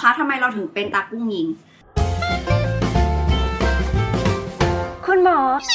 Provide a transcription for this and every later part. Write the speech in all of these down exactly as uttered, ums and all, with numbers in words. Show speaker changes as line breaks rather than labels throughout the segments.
คะทำไมเราถึงเป็นตากุ้งยิงคุณหมอ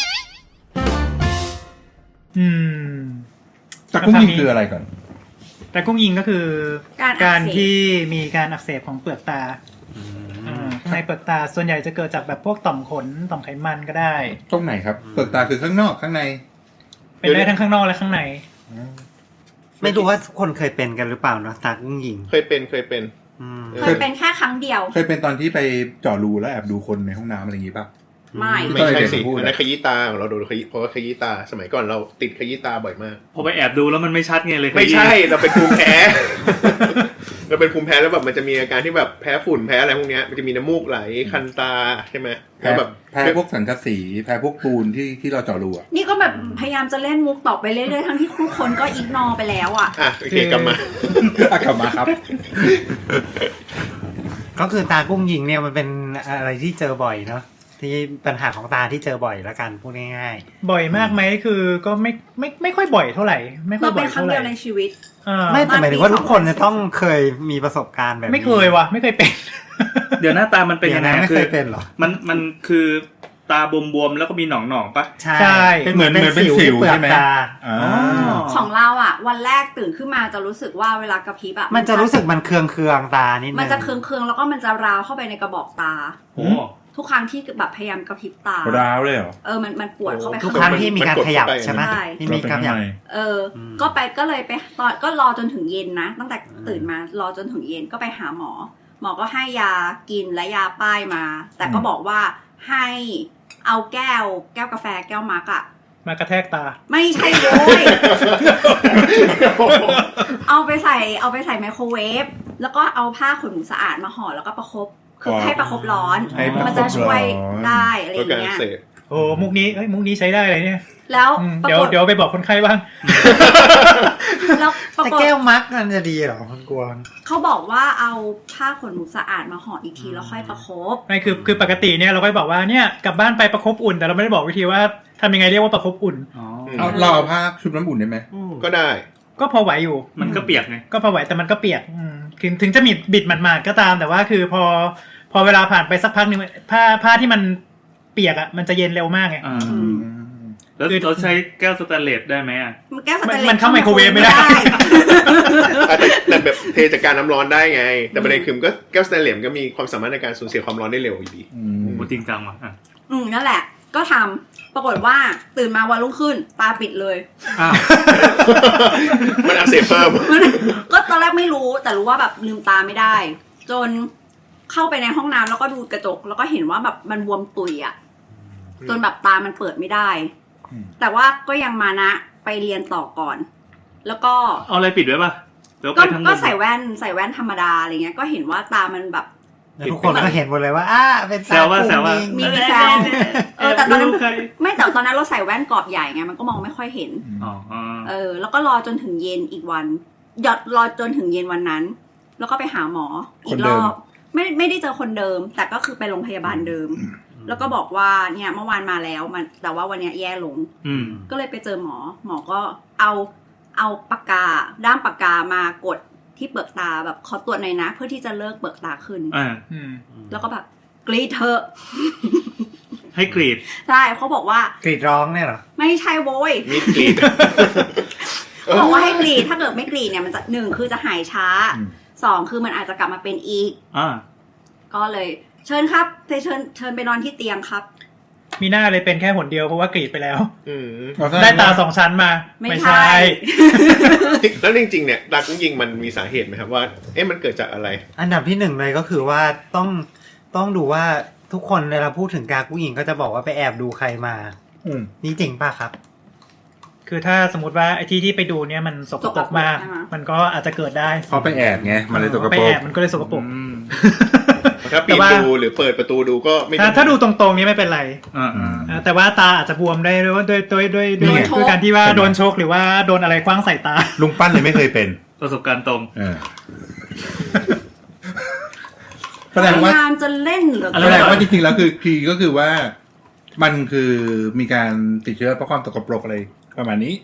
อืม
ตากุ้งยิงคืออะไรก่อน
ตากุ้งยิงก็คือ
การ
การที่มีการอักเสบของเปลือกตาในเปลือกตาส่วนใหญ่จะเกิดจากแบบพวกต่อมขนต่อมไขมันก็ได้
ตรงไหนครับเปลือกตาคือข้างนอกข้างใน
เป็นได้ทั้งข้างนอกและข้างใน
ไม่รู้ว่าคนเคยเป็นกันหรือเปล่าเนาะตากุ้งยิง
เคยเป็นเคยเป็น
เคยเป็นแค่ครั้งเดียว
เคยเป็นตอนที่ไปเจาะรูแล้วแอบดูคนในห้องน้ำอะไรอย่างงี้ป่ะ
ไม่
ไม่ใช่สิอันนั้นขยี้ตาของเราโดนขยี้เพราะว่าขยี้ตาสมัยก่อนเราติดขยี้ตาบ่อยมาก
พอไปแอบดูแล้วมันไม่ชัดไงเลย
ไม่ใช่เราเป็นภูมิแพ้เราเป็นภูมิแพ้แล้วแบบมันจะมีอาการที่แบบแพ้ฝุ่นแพ้อะไรพวกนี้มันจะมีน้ำมูกไหลคันตาใช่ไหม
แพ้แบบแพ้พวกสังกะสีแพ้พวกปูนที่ที่เราเจาะรูอ่ะ
นี่ก็แบบพยายามจะเล่นมุกต่อไปเรื่อยๆทั้งที่ทุกคนก็อิกนอไปแล้วอ่ะ
อ่ะโอเคกลับม
ากลับมาครับ
ก็คือตากุ้งยิงเนี่ยมันเป็นอะไรที่เจอบ่อยเนาะที่ปัญหาของตาที่เจอบ่อยแล้วกันพูดง่าย
ๆบ่อยมากไหมคือก็ไม่ไม่ไม่ค่อยบ่อยเท่าไหร่ไม่ค่อยบ่อยเท่าไหร่
เราเป็นครั้งเดียวในชีวิต
ไม่แต่หมายถึงว่าทุกคนจะต้องเคยมีประสบการณ์แบบนี้
ไม่เคยวะไม่เคยเป็น
เดี๋ยวหน้าตามันเป็นยังไง
ไม่เคยเป็นหรอ
มันมันคือตาบวมๆแล้วก็มีหนองๆป่ะ
ใช่
เป็นเหมือนเหมือนเป็นสิวใช่ไหม
ของเราอ่ะวันแรกตื่นขึ้นมาจะรู้สึกว่าเวลากระพริบอ่ะ
มันจะรู้สึกมันเคืองเคืองตานิดนึง
มันจะเคืองเคืองแล้วก็มันจะราวเข้าไปในกระบอกตา
โอ้
ทุกครั้งที่แบบพยายามกระพริบตา
ร้าวเลยเหรอ
เออมันมันปวดเข้าไป
ทุกครั้งที่มีการขยับใช่ไหมที่มีการขยับ
เออก็ไปก็เลยไปตอนก็รอจนถึงเย็นนะตั้งแต่ตื่นมารอจนถึงเย็นก็ไปหาหมอหมอก็ให้ยากินและยาป้ายมาแต่ก็บอกว่าให้เอาแก้วแก้วกาแฟแก้วมาร์กอะ
มากระแทกตา
ไม่ใช่โว้ยเอาไปใส่เอาไปใส่ไมโครเวฟแล้วก็เอาผ้าขนหนูสะอาดมาห่อแล้วก็ประคบคือให้ประคบร้อนมันจะช่วยได้อะไรอย่างเงี้ย
โอ้มุกนี้เฮ้ยมุกนี้ใช้ได้เลยเนี่ย
แล้ว
เดี๋ยวเดี๋ยวไปบอกคนไข้บ้าง
แล้ว
แต่แก้วมักมันจะดีเหรอคุณกวาง
เขาบอกว่าเอาผ้าขนหนูสะอาดมาห่ออีกทีแล้วค่อยประคบ
ไม่คือคือปกติเนี่ยเราก็บอกว่าเนี่ยกลับบ้านไปประคบอุ่นแต่เราไม่ได้บอกวิธีว่าทำยังไงเรียกว่าประคบอุ่น
เอาเราเอาผ้าชุบน้ำอุ่นได้ไหม
ก็ได้
ก็พอไหวอยู่
มันก็เปียกไง
ก็พอไหวแต่มันก็เปียกถึงถึงจะมีบิดหมาดๆก็ตามแต่ว่าคือพอพอเวลาผ่านไปสักพักนึงผ้าผ้าที่มันเปียกอ่ะมันจะเย็นเร็วมากไง
แล้วเราใช้แก้วสแตนเลสได้ไหมอ่ะ
แก้วสแตนเลส
มันเข้าไมโครเวฟไม่ได้
แต่แบบเทจากการน้ำร้อนได้ไงแต่ประเด็นคือก็แก้วสแตนเลสก็มีความสามารถในการสูญเสียความร้อนได้เร็วอยู่ดี
โอ้จริงจังว่ะ
อืมนั่นแหละก็ทำปรากฏว่าตื่นมาวันรุ่งขึ้นตาปิดเลย
มันอักเสบเพิ่ม
ก็ตอนแรกไม่รู้แต่รู้ว่าแบบลืมตาไม่ได้จนเข้าไปในห้องน้ำแล้วก็ดูกระจกแล้วก็เห็นว่าแบบมันบวมตุยอ่ะจนแบบตามันเปิดไม่ได้แต่ว่าก็ยังมานะไปเรียนต่อก่อนแล้วก็
เอาอะไรปิดไว้ป่ะ
ก็ก็ใส่แว่นใส่แว่นธรรมดาอะไรเงี้ยก็เห็นว่าตามันแบบ
ทุกคนก็เห็นหมดเลยว่าอ้าเป็นตา
กุ้งมีแซวเออแต่ตอนนั้นไม่แต่ตอนนั้นเราใส่แว่นกรอบใหญ่ไงมันก็มองไม่ค่อยเห็นเออแล้วก็รอจนถึงเย็นอีกวันหยดรอจนถึงเย็นวันนั้นแล้วก็ไปหาหมออีกรอบไม่ไม่ได้เจอคนเดิมแต่ก็คือไปโรงพยาบาลเดิมแล้วก็บอกว่าเนี่ยเมื่อวานมาแล้วมันแต่ว่าวันนี้แย่ลงก็เลยไปเจอหมอหมอก็เอาเอาปากกาด้ามปากกามากดที่เปลือกตาแบบขอตรวจหน่อยนะเพื่อที่จะเลิกเปลือกตาขึ้นแล้วก็แบบกรีดเถอะ
ให้กรีด
ใช่เขาบอกว่
ากรีดร้องเนี่ยเหรอ
ไม่ใช่โว้ย
มีกรีด
บอกว่าให้กรีดถ้าเกิดไม่กรีดเนี่ยมันจะหนึ่งคือจะหายช้าสองคือมันอาจจะกลับมาเป็นอีกก็เลยเชิญครับเชิญเชิญไปนอนที่เตียงครับ
มีหน้าเลยเป็นแค่หนเดียวเพราะว่ากรีดไปแล้วได้ตาสองชั้นมา
ไม่ใช่
แล้วจริงๆเนี่ยตากุ้งยิงมันมีสาเหตุไหมครับว่าเอ๊ะมันเกิดจากอะไร
อันดับที่หนึ่งเลยก็คือว่าต้องต้องดูว่าทุกคนเวลาพูดถึงตากุ้งยิงก็จะบอกว่าไปแอบดูใครมานี่จริงป่ะครับ
คือถ้าสมมติว่าไอ้ที่ที่ไปดูเนี่ยมันสกปรกมากมันก็อาจจะเกิดได้
เขาไปแอบไงมันเลยสกปรก
ไปแอบมันก็เลยสกปรก
ถ้าปีนดูหรือเปิดประตูดูก็ไม่
ถ้าดูตรงๆนี้ไม่เป็นไรแต่ว่าตาอาจจะบวมได้ด้วยด้วยด้วยด้วยด้วยการที่ว่าโดนชกหรือว่าโดนอะไรคว้างใส่ตา
ลุงปั้นเลยไม่เคยเป็น
ประสบการณ์ตรง
แสดงว่า
พยายามจะเล่นหรือ
แสดงว่าจริงๆแล้วคือคือก็คือว่ามันคือมีการติดเชื้อเพราะความสกปรกอะไรประมาณนี้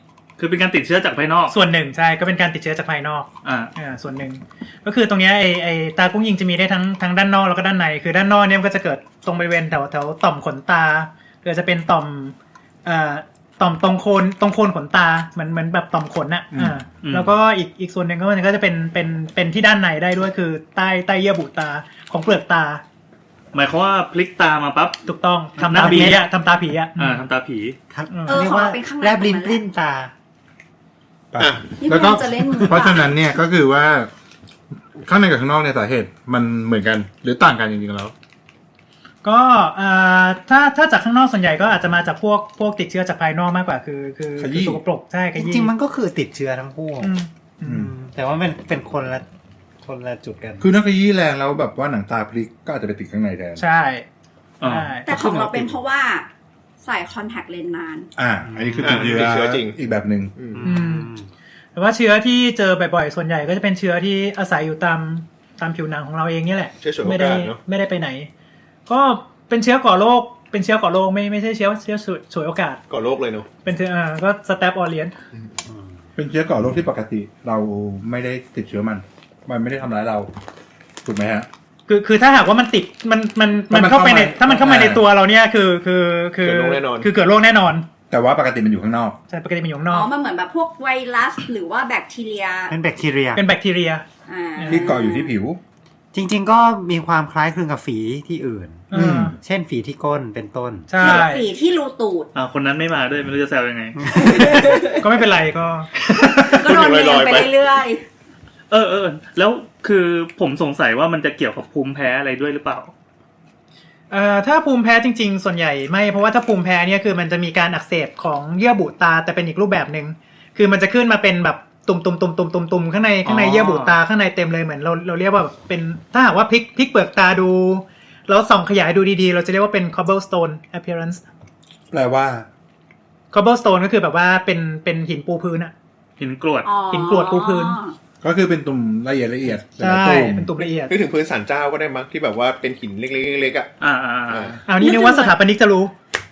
คือเป็นการติดเชื้อจากภายนอก
ส่วนหนึ่งใช่ก็เป็นการติดเชื้อจากภายนอก
อ่า
อ่าส่วนหนึ่งก็คือตรงเนี้ยไอไอตากุ้งยิงจะมีได้ทั้งทั้งด้านนอกแล้วก็ด้านในคือด้านนอกเนี่ยมันก็จะเกิดตรงบริเวณแถวแถวต่อมขนตาหรือจะเป็นต่อมอ่าต่อมตรงโคนตรงโคนขนตาเหมือนเหมือนแบบต่อมขนน่ะอ่าแล้วก็อีกอีกส่วนหนึ่งก็มันก็จะเป็นเป็นเป็นที่ด้านในได้ด้วยคือใต้ใต้เยื่อบุตาของเปลือกตา
หมายความว่าพลิกตามาปั๊บ
ถูกต้องทำตาผีอ่ะทำตาผีอ่ะ
อ่าทำตาผี
เรียกว่าแลบลิ้นปลิ้นตา
แล้วก็เพราะฉะนั้นเนี่ยก็คือว่าข้างในกับข้างนอกเนี่ยสาเหตุมันเหมือนกันหรือต่างกันจริงๆแล้ว
ก็ถ้าถ้าจากข้างนอกส่วนใหญ่ก็อาจจะมาจากพวกพวกติดเชื้อจากภายนอกมากกว่าคือคือสกปรกใช่
จริงๆมันก็คือติดเชื้อทั้งคู่แต่ว่าเป็นเป็นคนละคนละจุดกัน
คือนักขยี้แรงแล้วแบบว่าหนังตาพลิกก็อาจจะไปติดข้างในแทน
ใช่
แต่ของเราเป็นเพราะว่าใส่คอนแทคเลนส์นาน
อ่าอันนี้คือติดเชื้อจริงอีกแบบนึง
แต่ว่าเชื้อที่เจอบ่อยๆส่วนใหญ่ก็จะเป็นเชื้อที่อาศัยอยู่ตามตามผิวหนังของเราเองนี่แหละไม่ได้ไม่ได้ไปไหนก็เป็นเชื้อก่อโรคเป็นเชื้อก่อโรคไม่ไม่ใช่เชื้อเชื้อฉวยโอกาส
ก่อโรคเลยเนาะ
เป็นเชื้ออ่าก็สแตปออเลียน
เป็นเชื้อก่อโรคที่ปกติเราไม่ได้ติดเชื้อมันมันไม่ได้ทำร้ายเราถูกไหมฮะ
คือคือถ้าหากว่ามันติดมันมันมันเข้าไปในถ้ามันเข้ามาในตัวเราเนี่ยคือคือคือเกิดโรคแน่นอนคือเกิดโรคแน่นอน
แต่ว่าปกติมันอยู่ข้างนอก
ใช่ปกติมันอยู่ข้างนอก
อ๋อมันเหมือนแบบพวกไวรัสหรือว่าแบคทีเรีย
เป็นแบคทีเรีย
เป็นแบคทีเรีย
ที่เกาะอยู่ที่ผิว
จริงๆก็มีความคล้ายคลึงกับฝีที่อื่นเช่นฝีที่ก้นเป็นต้น
ใช่
ฝีที่รูตูด
อ่าคนนั้นไม่มาด้วยไม่รู้จะแซวยังไง
ก็ไม่เป็นไรก็
ก็โดนเลี้ยงไปเรื่อย
ๆเออเออแล้วคือผมสงสัยว่ามันจะเกี่ยวกับภูมิแพ้อะไรด้วยหรือเปล่า
เอ่อถ้าภูมิแพ้จริงๆส่วนใหญ่ไม่เพราะว่าถ้าภูมิแพ้เนี่ยคือมันจะมีการอักเสบของเยื่อบุตาแต่เป็นอีกรูปแบบนึงคือมันจะขึ้นมาเป็นแบบตุ่มๆๆๆๆข้างในข้างในเยื่อบุตาข้างในเต็มเลยเหมือนเราเราเรียกว่าเป็นถ้าหากว่าพลิกพลิกเปลือกตาดูแล้วส่องขยายดูดีๆเราจะเรียกว่าเป็น cobblestone appearance
แปลว่า
cobblestone ก็คือแบบว่าเป็นเป็นหินปูพื้นอะ
หินกรวด
หินกรวดปูพื้น
ก็คือเป็นตุ่มละเอียดละเอียด
ใช่เป็นตุ่มละเอียด
นึกถึงพื้นศาลเจ้าก็ได้มั้งที่แบบว่าเป็นหินเล็กๆเล็กๆอ่ะ
อ่า
ๆเอานี่นึกว่าสถาปนิกจะรู้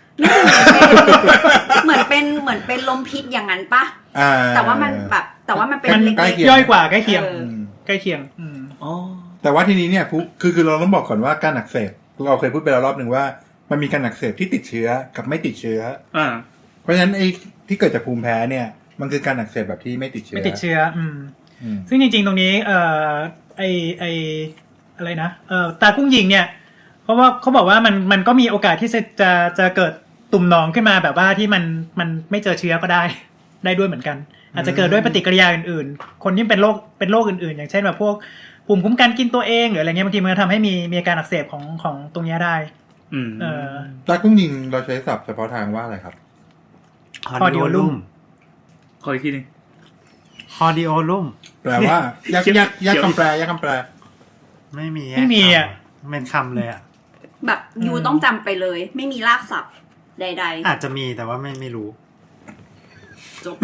เหมือนเป็นเหมือนเป็นลมพิษอย่างนั้นปะแต่ว่ามันแบบแต่ว่ามันเป็นเล็ก
ๆย่อยกว่าใกล้เคียงใกล้เคียง
อ๋อแต่ว่าทีนี้เนี่ยคือคือเราต้องบอกก่อนว่าการอักเสบเราเคยพูดไปแล้วรอบนึงว่ามันมีการอักเสบที่ติดเชื้อกับไม่ติดเชื้อ
อ่า
เพราะฉะนั้นไอ้ที่เกิดจากภูมิแพ้เนี่ยมันคือการอักเสบแบบที่ไม่ติดเชื้อ
ไม่ติดเชื้ออืมซึ่งจริงๆตรงนี้เอ่อไอไออะไรนะเอ่อตากุ้งยิงเนี่ยเพราะว่าเขาบอกว่ามันมันก็มีโอกาสที่จะจะจะเกิดตุ่มหนองขึ้นมาแบบว่าที่มันมันไม่เจอเชื้อก็ได้ได้ด้วยเหมือนกันอาจจะเกิดด้วยปฏิกิริยาอื่นๆคนที่เป็นโรคเป็นโรคอื่นๆอย่างเช่นแบบพวกภูมิคุ้มกันกินตัวเองหรืออะไรเงี้ยบางทีมันทำให้มีมีอาการอักเสบของของตรงนี้ได้
อืม
เออ
ตากุ้งยิงเราใช้ศัพท์เฉพาะทางว่าอะไรครับ
ฮอดิโอลุ่ม
ขออีกทีนึง
ฮอดิโอลุ่ม
แปลว่ายากยากยากคำแปลยากคำแปล
ไม่มี
ไม่มีอ่ะ
เป็นคำเลยอ่ะ
แบบยูต้องจำไปเลยไม่มีรากศัพท์ใดๆ
อาจจะมีแต่ว่าไม่ไม่รู้
จบ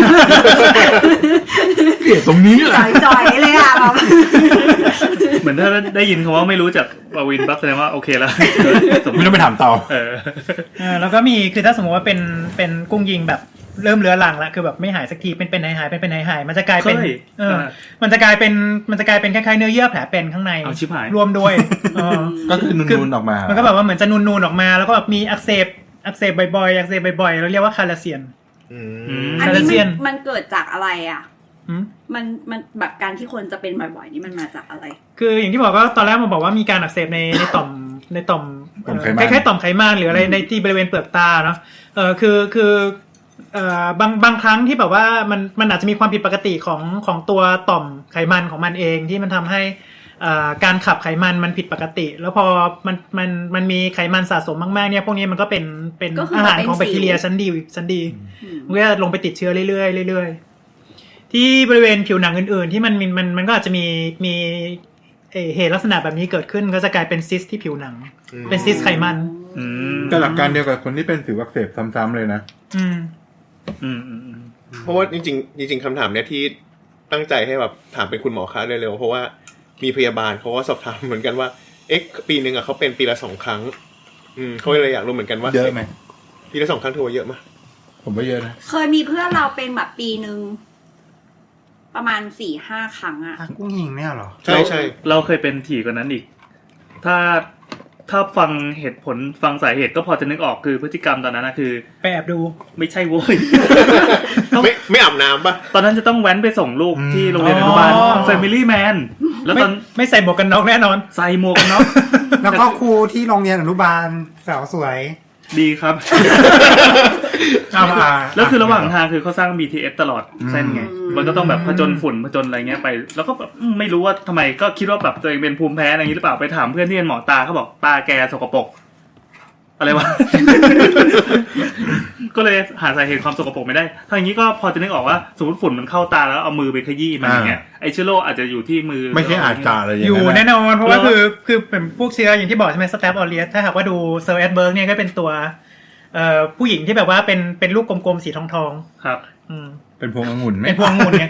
เกลียดตรงนี้แหละ
จ่อยๆเลยอ่ะแบบ
เหมือนถ้าได้ยินคำว่าไม่รู้จักปวินปั๊บแสดงว่าโอเคแล้ว
ไม่ต้องไปถามต่อ
เออ
แล้วก็มีคือถ้าสมมติว่าเป็นเป็นกุ้งยิงแบบเริ่มเรื้อรังแล้วคือแบบไม่หายสักทีเป็นเป็นหายหายเป็นเป็นหายหายมันจะกลายเป็นเออมันจะกลายเป็นมันจะกลายเป็นคล้ายๆเนื้อเยื่อแผลเป็นข้างในรวมด้วย
ก็คือนูนๆออกมา
มันก็แบบว่าเหมือนจะนูนๆออกมาแล้วก็แบบมีอักเสบอักเสบบ่อยๆอักเสบบ่อยๆเราเรียกว่าคาราเซียน
อันนี้มันมันเกิดจากอะไรอ่ะมันมันแบบการที่คนจะเป็นบ่อยๆนี่มันมาจากอะไร
คืออย่างที่บอกก็ตอนแรกมันบอกว่ามีการอักเสบในในต่อมในต่อมคล้ายๆต่อมไขมันหรืออะไรในที่บริเวณเปลือกตาเนาะเออคือคือเอ่อบางบางครั้งที่แบบว่ามันมันอาจจะมีความผิดปกติของของตัวต่อมไขมันของมันเองที่มันทำให้การขับไขมันมันผิดปกติแล้วพอมันมันมันมีไขมันสะสมมากๆเนี่ยพวกนี้มันก็เป็นเป็นอาหารของแบคทีเรียชั้นดีชั้นดีมันก็ลงไปติดเชื้อเรื่อยๆเรื่อยๆที่บริเวณผิวหนังอื่นๆที่มันมันมันก็อาจจะมีมีเหตุลักษณะแบบนี้เกิดขึ้นก็จะกลายเป็นซิสที่ผิวหนังเป็นซิสไขมัน
แต่หลักการเดียวกับคนที่เป็นสิวอักเสบซ้ำๆเลยนะ
อืม
อืม
เพราะว่าจริงๆจริงๆคำถามเนี้ยที่ตั้งใจให้แบบถามเป็นคุณหมอคะเร็วๆเพราะว่ามีพยาบาลเขาก็สอบถามเหมือนกันว่าเอ๊ะปีนึงอ่ะเขาเป็นปีละสองครั้งอืมเขาเลยอยากรู้เหมือนกันว่า
เยอะไหม
ปีละสองครั้งถือว่าเยอะมั้ย
ผมว่าเยอะนะ
เคยมีเพื่อนเราเป็นแบบปีนึงประมาณสี่ห้าครั้งอะ
กุ้งยิงเนี่ยหรอ
ใช่ใช่
เราเคยเป็นถี่กว่านั้นอีกถ้าถ้าฟังเหตุผลฟังสาเหตุก็พอจะนึกออกคือพฤติกรรมตอนนั้นนะคือ
ไปแอบดู
ไม่ใช่โว้ย
ไม่ไม่อาบน้ำป่ะ
ตอนนั้นจะต้องแว้นไปส่งลูกที่โรงเรียนอนุบาล Family Man แล้วตอน
ไม่ใส่หมวกกันน็อกแน่นอน
ใส่หมวกกันน็อก
แล้วก็ครูที่โรงเรียนอนุบาลสาวสวย
ดีครับแล้วคือระหว่างทางคือเขาสร้าง บี ที เอส ตลอดเส้นไงมันก็ต้องแบบผจญฝุ่นผจญอะไรเงี้ยไปแล้วก็แบบไม่รู้ว่าทำไมก็คิดว่าแบบตัวเองเป็นภูมิแพ้อะไรอย่างนี้หรือเปล่าไปถามเพื่อนที่เป็นหมอตาเขาบอกตาแกสกปรกอะไรวะ ก็เลยหาสาเหตุความสกปรกไม่ได้ถ้าอย่างนี้ก็พอจะนึกออกว่าสมมติฝุ่นมันเข้าตาแล้วเอามือไปขยี้มันอย่างเงี้ยไอเชื้อโรคอาจจะอยู่ที่มือ
ไม่ใช่อาจจะอะไรอย่างเงี้ย
อยู่แน่นอนเพราะว่าคือคือเป็นพวกเชื้ออย่างที่บอกใช่ไหมสแตปออเรียสถ้าหากว่าดูเซอร์แอดเบิร์กเนี่ยก็เป็นตัวเอ่อผู้หญิงที่แบบว่าเป็นเป็นลูกกลมๆสีทอง
ๆครับ
อืม
เป็นพวงองุ่นไหม
เป็นพวงองุ่นไง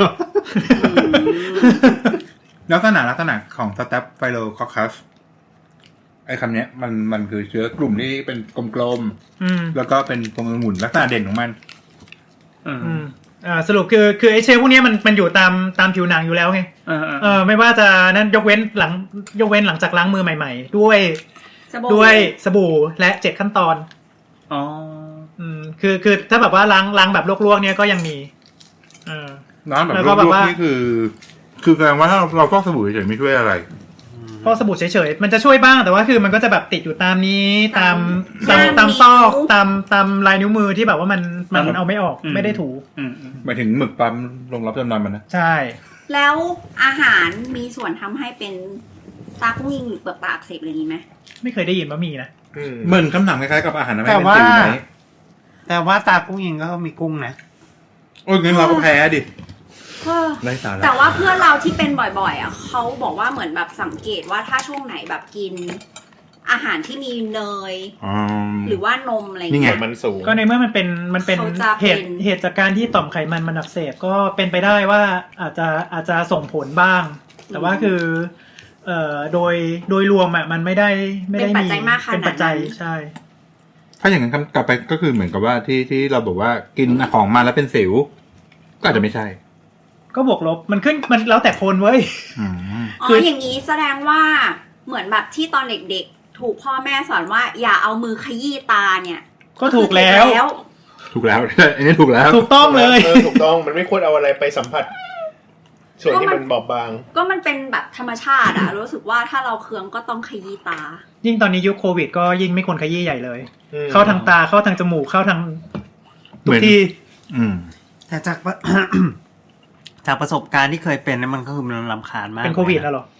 ลักษณะลักษณะของสแตปไฟโลคอคัสไอ้คำเนี้ยมันมันคือเชื้อกลุ่มที่เป็นกลมๆแล้วก็เป็นพวงองุ่นลักษณะเด่นของมัน
อืมอ่าสรุปคือคือไอ้เชื้อพวกนี้มันมันอยู่ตามตามผิวหนังอยู่แล้วไงเออไม่ว่าจะนั่นยกเว้นหลังยกเว้นหลังจากล้างมือใหม่ๆด้วยด้วยสบู่และเจ็ดขั้นตอน
อ๋อ
อืมคือคือถ้าแบบว่าล้างล้างแบบลวกๆเนี่ยก็ยังมีเออ
ล้างแบบลวกๆนี่คือคือแสดงว่าถ้าเราเราฟอกสบู่เฉยๆไม่ช่วยอะไร
ฟอกสบู่เฉยๆมันจะช่วยบ้างแต่ว่าคือมันก็จะแบบติดอยู่ตามนี้ตามตามตามซอกตามตามลายนิ้วมือที่แบบว่ามันมันเอาไม่ออกไม่ได้ถู
หมายถึงหมึกปั๊มลงรับจำนำมันนะ
ใช่
แล้วอาหารมีส่วนทำให้เป็นตากุ้งยิงหรือเปลือกตาอักเสบอะไรนี้ไหม
ไม่เคยได้ยินว่ามีนะ
เหมือนคำถามคล้ายๆกับอาหารนะ
แต่ว่าแต่ว่าตากุ้งยิงก็มีกุ้งนะ
โอ้ยงั้นเราก็แพ้ดิ
แต่ว่าเพื่อนเราที่เป็นบ่อยๆอ่ะเขาบอกว่าเหมือนแบบสังเกตว่าถ้าช่วงไหนแบบกินอาหารที่มีเนยหรือว่านมอะไรอย่างเงี้ย
มันสูง
ก็ในเมื่อมันเป็นมันเป็นเหตุเหตุจากการที่ต่อมไขมันมันอักเสบก็เป็นไปได้ว่าอาจจะอาจจะส่งผลบ้างแต่ว่าคือเอ่อโดยโดยรวมอ่ะมันไม่ได้ไม่ได้มีเป็นปัจจัยใช่
ถ้าอย่างนั้นกลับไปก็คือเหมือนกับว่าที่ที่เราบอกว่ากินของมาแล้วเป็นสิวก็อาจจะไม่ใช่
ก็บวกลบมันขึ้นมันแล้วแต่คนเว้ย
อ๋ออย่างนี้แสดงว่าเหมือนแบบที่ตอนเด็กๆถูกพ่อแม่สอนว่าอย่าเอามือขยี้ตาเนี่ย
ก็ถูกแล้ว
ถูกแล้วอันนี้ถูกแล้ว
ถูกต้องเลย
เออถูกต้องมันไม่ควรเอาอะไรไปสัมผัสส่วนที่มันบอบบาง
ก็มันเป็นแบบธรรมชาติอะรู้สึกว่าถ้าเราเคืองก็ต้องขยี้ตา
ยิ่งตอนนี้ยุคโควิดก็ยิ่งไม่ควรขยี้ใหญ่เลยเข้าทางตาเข้าทางจมูกเข้าทางทุกที่
แต่จากจากประสบการณ์ที่เคยเป็นนั้นมันก็คือมันรำคาญมาก
เป็นโควิดแล้วหรอ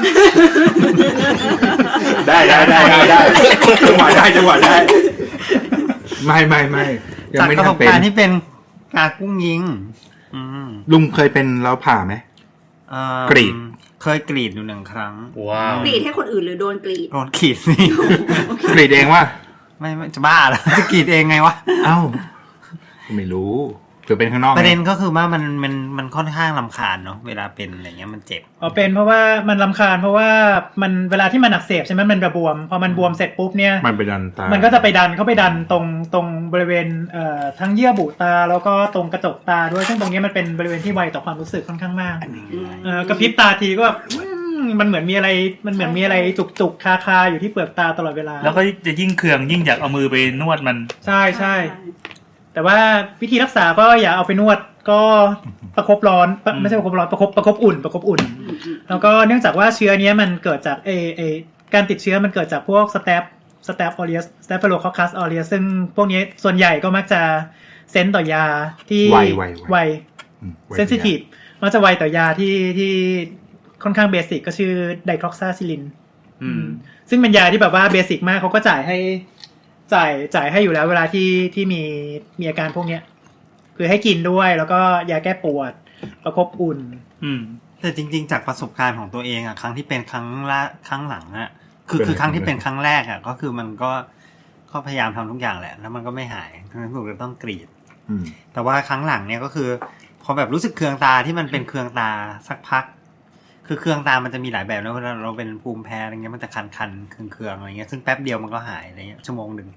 ได้ได้ได้ได้จังหวะได้จังหวะได้ไม่ไม่ไม่
ยังไม่ทำเป็นจากประสบการณ์ที่เป็นกากุ้งยิง
ลุงเคยเป็นแล้วผ่าไหมกรีด
เคยกรีดอยู่หนึ่งครั้ง
ว้าว
กรีดให้คนอื่นหรือโดนกรีด
โดนกรีดนี่
กรีดเองวะ
ไม่ไม่จะบ้าเหรอจะกรีดเองไงวะ
เอ้าไม่รู้ถือเป็นข้างนอก
ประเด็นก็คือว่ามันมันมันค่อนข้างรำคาญเนาะเวลาเป็นอะไรเงี้ยมันเจ็บ
อ๋อเป็นเพราะว่ามันรำคาญเพราะว่ามันเวลาที่มันอักเสบใช่ไหมมันระบวมพอมันบวมเสร็จปุ๊บเนี่ย
มันไปดันตา
มันก็จะไปดันเข้าไปดันตรงตรงบริเวณเอ่อทั้งเยื่อบุตาแล้วก็ตรงกระจกตาด้วยซึ่งตรงนี้มันเป็นบริเวณที่ไวต่อความรู้สึกค่อนข้างมากเอ่อกระพริบตาทีก็แบบมันเหมือนมีอะไรมันเหมือนมีอะไรจุกๆคาๆอยู่ที่เปลือกตาตลอดเวลา
แล้วก็จะยิ่งเคืองยิ่งอยากเอามือไปนวดมัน
ใช่ใช่แต่ว่าวิธีรักษาก็อย่าเอาไปนวดก็ประคบร้อนไม่ใช่ประคบร้อนประคบประคบอุ่นประคบอุ่นแล้วก็เนื่องจากว่าเชื้อนี้มันเกิดจากเอเอการติดเชื้อมันเกิดจากพวกสแตปสแตปออเรียสสแตปโฟโลคอคัสออเรียสซึ่งพวกนี้ส่วนใหญ่ก็มักจะเซนส์ต่อยาที่
ไว
ไวเซนซิทีฟมักจะไวต่อยาที่ที่ค่อนข้างเบสิกก็ชื่อไดคลอกซาซิลินซึ่งเป็นยาที่แบบว่าเบสิกมากเขาก็จ่ายให้จ่ายจ่ายให้อยู่แล้วเวลาที่ที่มีมีอาการพวกเนี้ยคือให้กินด้วยแล้วก็ยาแก้ปวดประคบอุ่น
อืมแต่จริงๆจากประสบการณ์ของตัวเองอ่ะครั้งที่เป็นครั้งละครั้งหลังอ่ะคือคือครั้งที่เป็นครั้งแรกอ่ะก็คือมันก็ก็พยายามทำทุกอย่างแหละแล้วมันก็ไม่หายทั้งนั้นก็ต้องกรีดแต่ว่าครั้งหลังเนี้ยก็คือพอแบบรู้สึกเคืองตาที่มันเป็นเคืองตาสักพักคือเคืองตามันจะมีหลายแบบนะเวลาเราเป็นภูมิแพ้อะไรเงี้ยมันจะคันๆเคืองๆอะไรเงี้ยซึ่งแป๊บเดียวมันก็หายอะไรเงี้ยชั่วโมงนึงแต่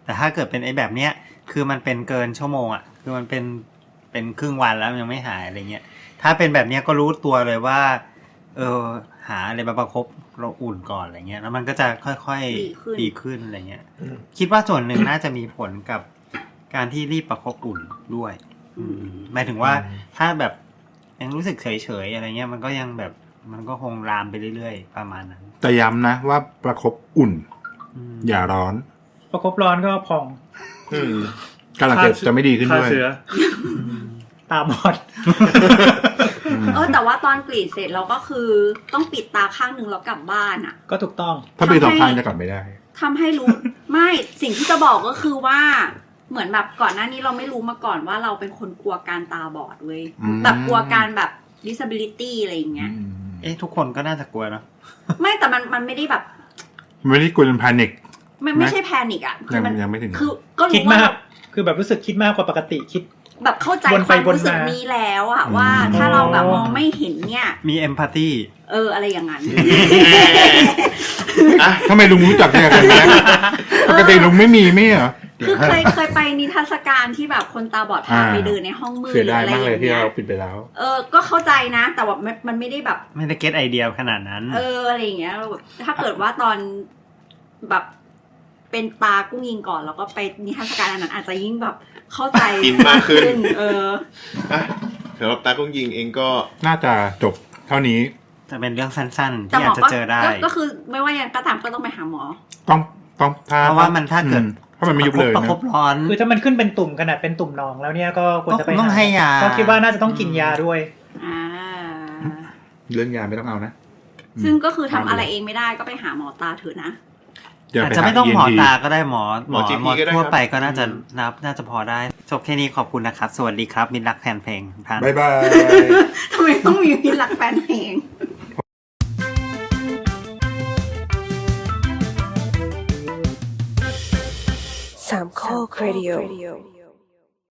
แต่ถ้าเกิดเป็นไอ้แบบเนี้ยคือมันเป็นเกินชั่วโมงอ่ะคือมันเป็นเป็นครึ่งวันแล้วมันยังไม่หายอะไรเงี้ยถ้าเป็นแบบเนี้ยก็รู้ตัวเลยว่าเออหาอะไรมาประคบเราอุ่นก่อนอะไรเงี้ยแล้วมันก็จะค่อยๆดีขึ้นอะไรเงี้ยคิดว่าส่วนหนึ่งน่าจะมีผลกับการที่รีบประคบอุ่นด้วยหมายถึงว่าถ้าแบบยังรู้สึกเฉยๆอะไรเงี้ยมันก็ยังแบบมันก็คงลามไปเรื่อยๆประมาณนั้น
แต่ย้ำนะว่าประคบอุ่นอย่าร้อน
ประคบร้อนก็พอง
การอักเสบจะไม่ดีขึ้นด้วย
ตาบอด
เออแต่ว่าตอนกรีดเสร็จเราก็คือต้องปิดตาข้างหนึ่งแล้วกลับบ้านอ่ะ
ก็ถูกต้อง
ถ้าปิดสองข้างจะกลับไม่ได้
ทำให้รู้ไม่สิ่งที่จะบอกก็คือว่าเหมือนแบบก่อนหน้านี้เราไม่รู้มาก่อนว่าเราเป็นคนกลัวการตาบอดเว้ยแบบกลัวการแบบ disability อะไรอย่างเงี้ย
เอ๊ะทุกคนก็น่าจะกลัวนะ
ไม่แต่มันมันไม่ได้แบบ
ไม่ได้กลัวจนแพนิค
ไม่ไม่ใช่แพนิคอ่ะ
คือมันยังไม่ถึง
คือก็
รู้ว่าคือแบบรู้สึกคิดมากกว่าปกติคิด
แบบเข้าใจความรู้สึกนี้แล้วอะว่าถ้าเราแบบมองไม่เห็นเนี่ย
มีเอมพัตตี
เอออะไรอย่างนั้น
อ่ะทำไมลุงรู้จักเนี่ยกันนะปกติลุงไม่มีไม่เหรอ
คือเคยเคยไปนิทรรศการที่แบบคนตาบอดพาไปเดินในห้องมืดอะไรอย่างเงี้ย
ที่เราปิดไปแล้ว
เออก็เข้าใจนะแต่ว่ามันไม่ได้แบบ
ไม่ได้เก็ตไอเดียขนาดนั้น
เอออะไรอย่างเงี้ยถ้าเกิดว่าตอนแบบเป็นตากุ้งยิงก่อนแล้วก็ไปนิทรรศการอันนั้นอาจจะยิ่งแบบเข้าใจ
อินมากขึ้น
เออ
สำหรับตากุ้งยิงเองก็
น่าจะจบเท่านี้
จะเป็นเรื่องสั้นๆที่อาจจะเจอได้
ก็คือไม่ว่าอย่างก็ตามก็ต้องไปหาหมอ
ต้องต้อง
เพราะว่ามันถ้าเกิด
ถ้ามันไม่ยุบเลย
ประคบร้อน
คือถ้ามันขึ้นเป็นตุ่มขนาดเป็นตุ่มหนองแล้วเนี่ยก็ควรจะไป
ต้องให้ยา
ก็คิดว่าน่าจะต้องกินยาด้วย
อ่า
เรื่องยาไม่ต้องเอานะ
ซึ่งก็คือทำอะไรเองไม่ได้ก็ไปหาหมอตาเถอะนะ
อาจจะไม่ต้องหมอตาก็ได้หมอหมอหมอทั่วไปก็น่าจะนับน่าจะพอได้จบแค่นี้ขอบคุณนะครับสวัสดีครับมิตรรักแฟนเพลงท่าน
บ๊ายบาย
ทำไมต้องมีมิตรรักแฟนเพลง
สามข้อเรดิโอ